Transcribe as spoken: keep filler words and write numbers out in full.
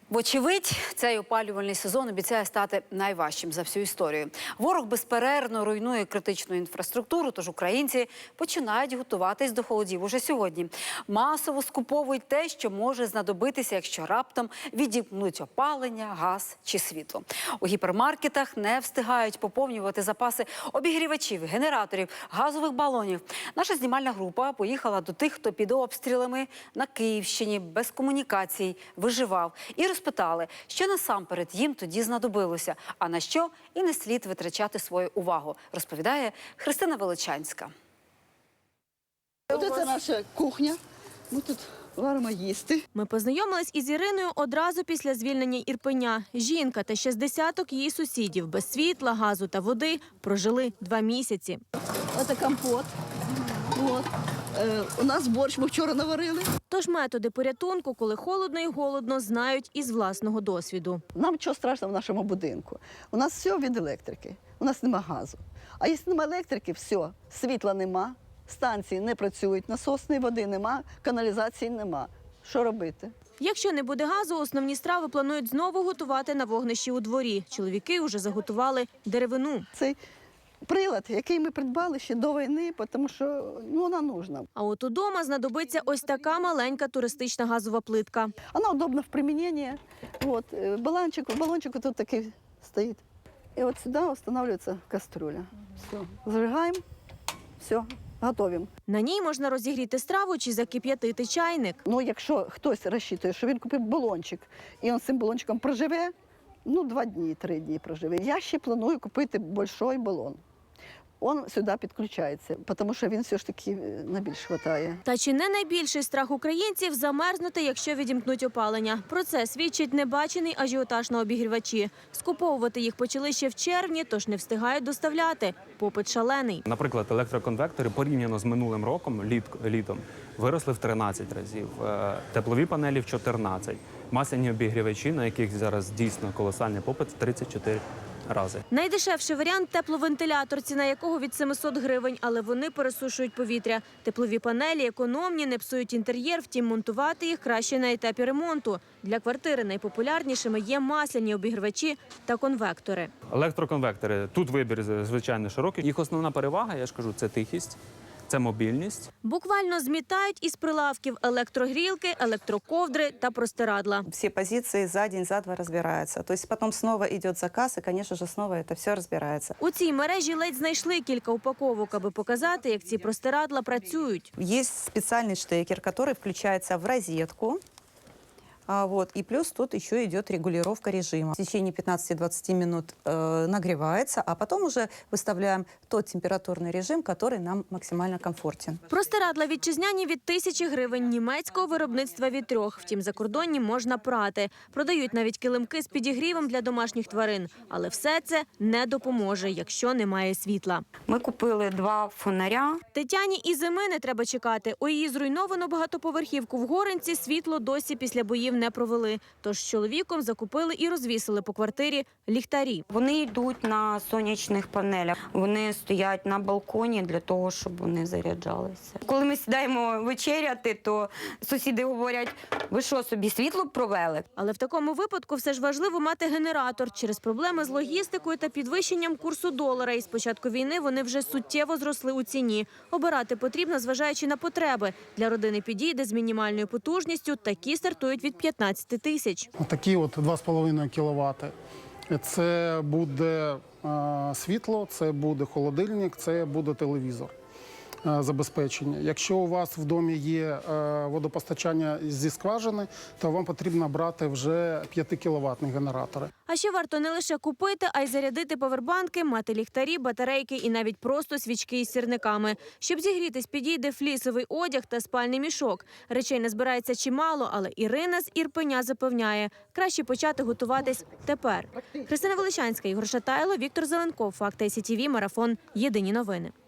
Вочевидь, цей опалювальний сезон обіцяє стати найважчим за всю історію. Ворог безперервно руйнує критичну інфраструктуру, тож українці починають готуватись до холодів уже сьогодні. Масово скуповують те, що може знадобитися, якщо раптом відімкнуть опалення, газ чи світло. У гіпермаркетах не встигають поповнювати запаси обігрівачів, генераторів, газових балонів. Наша знімальна група поїхала до тих, хто під обстрілами на Київщині, без комунікацій, виживав. І розпитали, що насамперед їм тоді знадобилося, а на що і не слід витрачати свою увагу, розповідає Христина Величанська. Ось це наша кухня. Ми тут варимо їсти. Ми познайомились із Іриною одразу після звільнення Ірпеня. Жінка та ще з десяток її сусідів без світла, газу та води прожили два місяці. Ось компот. От. Е, у нас борщ ми вчора наварили. Тож методи порятунку, коли холодно і голодно, знають із власного досвіду. Нам нічого страшного в нашому будинку. У нас все від електрики. У нас нема газу. А якщо нема електрики, все, світла нема, станції не працюють, насосної води нема, каналізації нема. Що робити? Якщо не буде газу, основні страви планують знову готувати на вогнищі у дворі. Чоловіки вже заготували деревину. Цей прилад, який ми придбали ще до війни, тому що ну, вона нужна. А от удома знадобиться ось така маленька туристична газова плитка. Вона удобна в приміненні. От, балончик, балончик тут такий стоїть. І от сюди встановлюється каструля. Все, зажигаємо, все, готуємо. На ній можна розігріти страву чи закип'ятити чайник. Ну, якщо хтось розчитує, що він купив балончик, і він з цим балончиком проживе, ну, два дні, три дні проживе. Я ще планую купити великий балон. Він сюди підключається, тому що він все ж таки на більш вистачає. Та чи не найбільший страх українців – замерзнути, якщо відімкнуть опалення? Про це свідчить небачений ажіотаж на обігрівачі. Скуповувати їх почали ще в червні, тож не встигають доставляти. Попит шалений. Наприклад, електроконвектори порівняно з минулим роком, літ, літом, виросли в тринадцять разів, теплові панелі – в чотирнадцять, масляні обігрівачі, на яких зараз дійсно колосальний попит – в тридцять чотири рази. Найдешевший варіант – тепловентилятор, ціна якого від семисот гривень, але вони пересушують повітря. Теплові панелі економні, не псують інтер'єр, втім монтувати їх краще на етапі ремонту. Для квартири найпопулярнішими є масляні обігрівачі та конвектори. Електроконвектори, тут вибір, звичайно, широкий. Їх основна перевага, я ж кажу, це тихість. Це мобільність. Буквально змітають із прилавків електрогрілки, електроковдри та простирадла. Все позиции за день, за два разбираются. То есть потом снова идет заказ, и, конечно же, снова это все разбирается. У цій мережі ледь знайшли кілька упаковок, аби показати, як ці простирадла працюють. Есть специальный штекер, который включается в розетку. А вот, и плюс тут еще идет регулировка режима. В течение пятнадцати-двадцати минут э, нагревается, а потом уже выставляем тот температурный режим, который нам максимально комфортен. Простирадла вітчизняні від тисячі гривень, німецького виробництва від трьох. Втім, закордонні можна прати. Продають навіть килимки з підігрівом для домашніх тварин. Але все це не допоможе, якщо немає світла. Ми купили два фонаря. Тетяні і зими не треба чекати. У її зруйновану багатоповерхівку в Горинці світло досі після боїв не провели. Тож з чоловіком закупили і розвісили по квартирі ліхтарі. Вони йдуть на сонячних панелях. Вони стоять на балконі для того, щоб вони заряджалися. Коли ми сідаємо вечеряти, то сусіди говорять, ви що, собі світло провели? Але в такому випадку все ж важливо мати генератор. Через проблеми з логістикою та підвищенням курсу долара із початку війни вони вже суттєво зросли у ціні. Обирати потрібно, зважаючи на потреби. Для родини підійде з мінімальною потужністю, такі стартують від п'ятнадцяти тисяч. Такі от два з половиною кіловати. Це буде е, світло, це буде холодильник, це буде телевізор. Забезпечення. Якщо у вас в домі є водопостачання зі скважини, то вам потрібно брати вже п'ятикіловатні генератори. А ще варто не лише купити, а й зарядити повербанки, мати ліхтарі, батарейки і навіть просто свічки із сірниками. Щоб зігрітись, підійде флісовий одяг та спальний мішок. Речей не збирається чимало, але Ірина з Ірпеня запевняє, краще почати готуватись тепер. Христина Величанська, Ігор Шатайло, Віктор Зеленков, Факти ай сі ті ві, Марафон. Єдині новини.